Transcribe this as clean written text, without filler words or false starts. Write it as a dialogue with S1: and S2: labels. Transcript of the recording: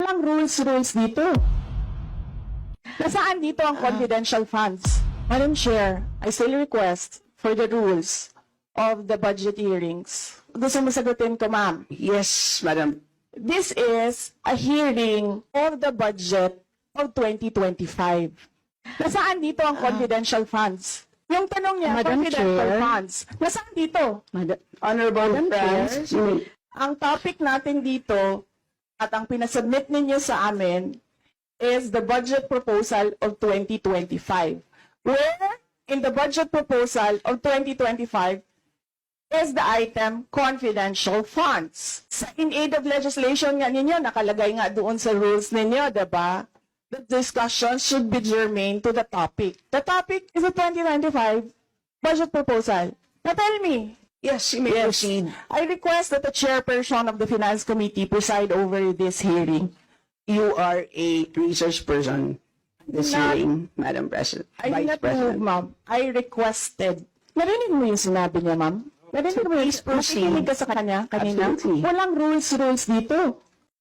S1: Walang rules dito. Nasaan dito ang confidential funds? Madam Chair, I still request for the rules of the budget hearings. Gusto mo sagutin ko, ma'am?
S2: Yes, Madam.
S1: This is a hearing of the budget of 2025. Nasaan dito ang confidential funds? Yung tanong niya,
S2: Madam
S1: confidential
S2: Chair.
S1: funds. Nasaan dito?
S2: Honorable
S1: Madam
S2: friends,
S1: Ang topic natin dito at ang pinasubmit ninyo sa amin is the budget proposal of 2025. Where in the budget proposal of 2025 is the item confidential funds. In aid of legislation nga ninyo, nakalagay nga doon sa rules ninyo, diba? The discussion should be germane to the topic. The topic is the 2025 budget proposal. Now tell me,
S2: yes, you may proceed.
S1: I request that the chairperson of the Finance Committee preside over this hearing.
S2: You are a research person this
S1: Not-
S2: hearing, Madam President.
S1: I did
S2: Vice
S1: not move,
S2: President.
S1: ma'am. I requested. Narinig mo yung sinabi niya, ma'am? Narinig mo yung
S2: please proceed.
S1: nakikinig ka sa kanya kanina?
S2: Absolutely.
S1: Walang rules dito.